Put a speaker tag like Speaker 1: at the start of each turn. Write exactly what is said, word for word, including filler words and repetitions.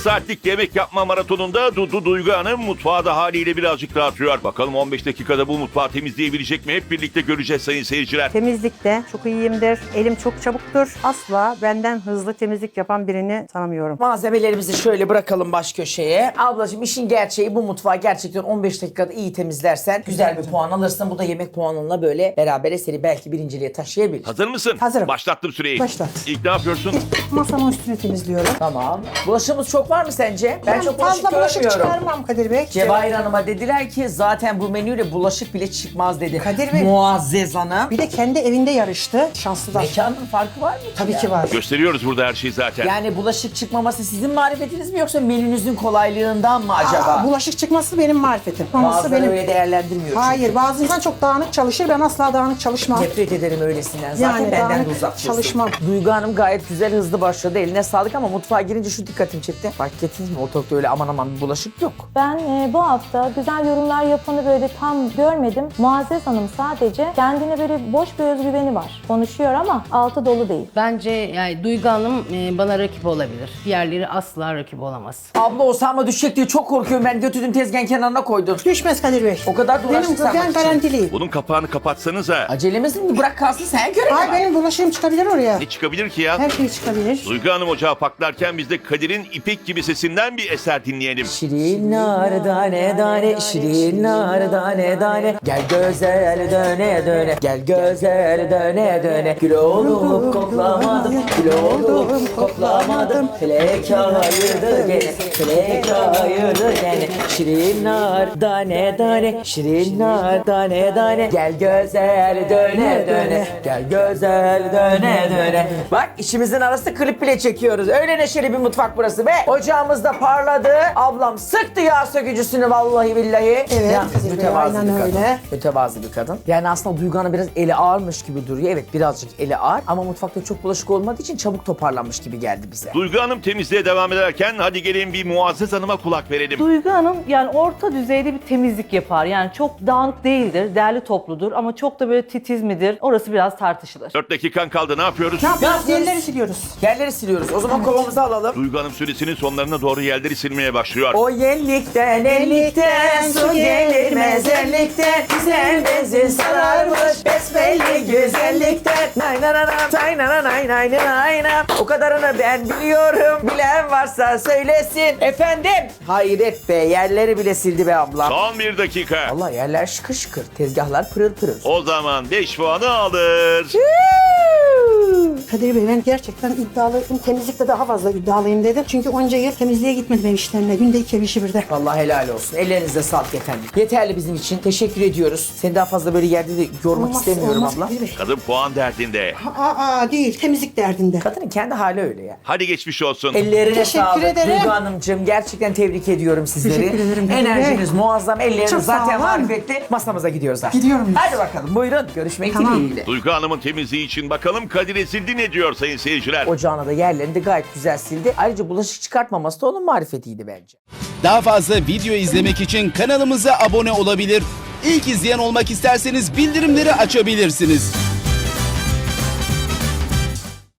Speaker 1: saatlik yemek yapma maratonunda Dudu Duygu Hanım mutfağı da haliyle birazcık dağıtıyor. Bakalım on beş dakikada bu mutfağı temizleyebilecek mi? Hep birlikte göreceğiz sayın seyirciler.
Speaker 2: Temizlikte çok iyiyimdir. Elim çok çabuktur. Asla benden hızlı temizlik yapan birini tanımıyorum.
Speaker 3: Malzemelerimizi şöyle bırakalım baş köşeye. Ablacığım işin gerçeği bu mutfağı gerçekten on beş dakikada iyi temizlersen güzel bir puan alırsın. Bu da yemek puanınla böyle beraber seni belki birinciliğe taşıyabilir.
Speaker 1: Hazır mısın?
Speaker 2: Hazırım.
Speaker 1: Başlattım süreyi.
Speaker 2: Başlat.
Speaker 1: İlk ne yapıyorsun?
Speaker 2: Masamın üstünü temizliyorum.
Speaker 3: Tamam. Bulaşığımız çok var mı sence? Ben,
Speaker 2: Ben
Speaker 3: çok bulaşık
Speaker 2: fazla bulaşık
Speaker 3: görmüyorum.
Speaker 2: çıkarmam Kadir Bey.
Speaker 3: Cevahir Hanım'a dediler ki zaten bu menüyle bulaşık bile çıkmaz dedi.
Speaker 2: Kadir Bey.
Speaker 3: Muazzez Hanım.
Speaker 2: Bir de kendi evinde yarıştı. Şanslılar.
Speaker 3: Mekanın farkı var mı?
Speaker 2: Tabii
Speaker 3: ya?
Speaker 2: ki var.
Speaker 1: Gösteriyoruz burada her şeyi zaten.
Speaker 3: Yani bulaşık çıkmaması sizin marifetiniz mi yoksa menünüzün kolaylığından mı acaba?
Speaker 2: Aa, bulaşık çıkması benim marifetim. Olması
Speaker 3: Bazıları
Speaker 2: benim.
Speaker 3: öyle değerlendirmiyor çünkü.
Speaker 2: Hayır, bazı insan çok dağınık çalışır. Ben asla dağınık çalışmam.
Speaker 3: Nefret ederim öylesinden. Zaten
Speaker 2: Yani
Speaker 3: benden
Speaker 2: dağınık
Speaker 3: de uzak dursun.
Speaker 2: çalışmam.
Speaker 3: Duygu Hanım gayet güzel hızlı başladı. Eline sağlık ama mutfağa girince şu dikkatimi çekti. Fark ettiniz mi? Ortalıkta öyle aman aman bir bulaşık yok.
Speaker 4: Ben e, bu hafta güzel yorumlar yapanı böyle tam görmedim. Muazzez Hanım sadece kendine böyle boş bir özgüveni var. Konuşuyor ama altı dolu değil.
Speaker 5: Bence yani Duygu Hanım e, bana rakip olabilir. Diğerleri asla rakip olamaz.
Speaker 3: Abla Osama düşecek diye çok korkuyorum. Ben götürdüm tezgahın kenarına koydum.
Speaker 2: Düşmez Kadir Bey.
Speaker 3: O kadar da uğraştık
Speaker 2: Benim ben
Speaker 3: sarmak için.
Speaker 2: garantiliyim.
Speaker 1: Bunun kapağını kapatsanıza.
Speaker 3: Acelemiz mi? Bırak kalsın sen göre.
Speaker 2: Hayır, benim bulaşığım çıkabilir oraya.
Speaker 1: Ne çıkabilir ki ya?
Speaker 2: Her şey çıkabilir.
Speaker 1: Duygu Hanım ocağı paklarken biz de Kadir'in ipek gibi sesinden bir eser dinleyelim.
Speaker 3: Şirin nar tane tane, şirin nar tane tane. Gel güzel döne döne, gel güzel döne döne. Gül oldum koklamadım, gül oldum koklamadım. Felek ayırdı gene, felek ayırdı gene. Şirin nar tane tane, şirin nar tane tane. Gel güzel döne döne, gel güzel döne döne. Bak işimizin arası klip bile çekiyoruz. Öyle neşeli bir mutfak burası be. Ocağımız da parladı. Ablam sıktı yağ sökücüsünü vallahi billahi.
Speaker 2: Evet,
Speaker 3: Yalnız
Speaker 2: Kadir Bey,
Speaker 3: mütevazı
Speaker 2: aynen
Speaker 3: bir kadın.
Speaker 2: öyle.
Speaker 3: Mütevazı bir kadın. Yani aslında Duygu Hanım biraz eli ağırmış gibi duruyor. Evet birazcık eli ağır ama mutfakta çok bulaşık olmadığı için çabuk toparlanmış gibi geldi bize.
Speaker 1: Duygu Hanım temizliğe devam ederken hadi gelin bir Muazzez Hanım'a kulak verelim.
Speaker 6: Duygu Hanım yani orta düzeyde bir temizlik yapar. Yani çok dağınık değildir, derli topludur ama çok da böyle titiz midir? Orası biraz tartışılır.
Speaker 1: dört dakikan kaldı, ne yapıyoruz?
Speaker 2: Ne yapıyoruz?
Speaker 3: yapıyoruz?
Speaker 2: Yerleri siliyoruz.
Speaker 3: Yerleri siliyoruz. O zaman kovamızı alalım.
Speaker 1: Duygu Hanım süresinin sonlarına doğru yerleri silmeye başlıyor.
Speaker 3: O yenlikten ellikten su gelir mezarlıktan. Güzel benzin sararmış besbelli güzellikten. Nay nay nay nay nay nay nay nay nay. O kadarını ben biliyorum. Bilen varsa söylesin. Efendim? Hayret be yerleri bile sildi be ablam.
Speaker 1: Son bir dakika.
Speaker 3: Allah yerler şıkır şıkır. Tezgahlar pırıl pırıl.
Speaker 1: O zaman beş puanı alır.
Speaker 2: Kadir Bey, ben gerçekten iddialıyım. Temizlikte daha fazla iddialıyım dedim. Çünkü onca yıl temizliğe gitmedim ev işlerine. Günde iki ev işi birde.
Speaker 3: Vallahi helal olsun. Ellerinize sağlık efendim. Yeterli bizim için. Teşekkür ediyoruz. Seni daha fazla böyle yerde de yormak
Speaker 2: Olmaz,
Speaker 3: istemiyorum
Speaker 2: olmaz
Speaker 3: abla.
Speaker 2: Kadir Bey.
Speaker 1: Kadın puan derdinde.
Speaker 2: Aa, aa, değil, temizlik derdinde.
Speaker 3: Kadının kendi hali öyle ya.
Speaker 1: Hadi geçmiş olsun.
Speaker 3: Ellerine
Speaker 2: Teşekkür
Speaker 3: sağlık.
Speaker 2: ederim.
Speaker 3: Duygu Hanımcığım gerçekten tebrik ediyorum sizleri.
Speaker 2: Teşekkür ederim.
Speaker 3: Enerjiniz muazzam. Elleriniz
Speaker 2: Çok sağ
Speaker 3: zaten
Speaker 2: olun.
Speaker 3: marifetli. Masamıza gidiyoruz artık.
Speaker 2: Gidiyorum biz.
Speaker 3: Hadi bakalım buyurun. Görüşmek
Speaker 2: Tamam.
Speaker 3: dileğiyle.
Speaker 1: Duygu Hanım'ın temizliği için bakalım Kadir Ezildi ne diyor sayın seyirciler.
Speaker 3: Ocağına da yerlerini de gayet güzel sildi. Ayrıca bulaşık çıkartmaması da onun marifetiydi bence.
Speaker 7: Daha fazla video izlemek için kanalımıza abone olabilir. İlk izleyen olmak isterseniz bildirimleri açabilirsiniz.